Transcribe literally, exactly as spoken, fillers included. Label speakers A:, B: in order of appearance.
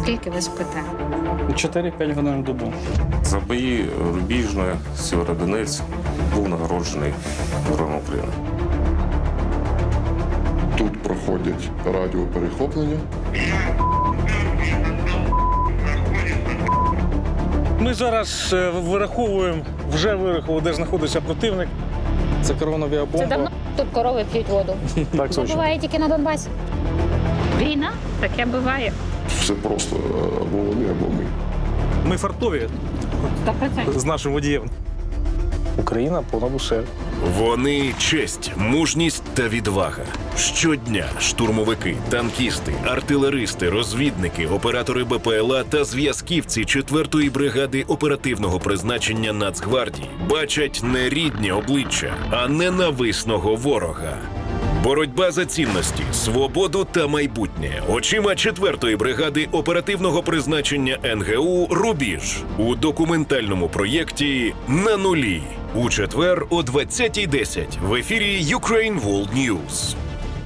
A: Скільки ви спите?
B: чотири-п'ять годин в добу.
C: За бої Рубіжне, Сєвєродонець був нагороджений Героєм України.
D: Тут проходять радіоперехоплення.
E: Ми зараз е, вираховуємо, вже вирахували, де знаходиться противник.
B: Це керована
A: Це
B: авіабомба.
A: давно тут корови п'ють воду.
B: Так,
A: Це буває тільки на Донбасі. Війна? Таке буває.
D: Все просто або вони, або ми.
E: Ми фартові
A: сто відсотків.
E: з нашим водієм.
B: Україна понад усе.
F: Вони честь, мужність та відвага. Щодня штурмовики, танкісти, артилеристи, розвідники, оператори БПЛА та зв'язківці четвертої бригади оперативного призначення Нацгвардії бачать не рідні обличчя, а ненависного ворога. Боротьба за цінності, свободу та майбутнє очима четвертої бригади оперативного призначення ен ге у «Рубіж» у документальному проєкті «На нулі» у четвер о двадцятій десять в ефірі Ukraine World News.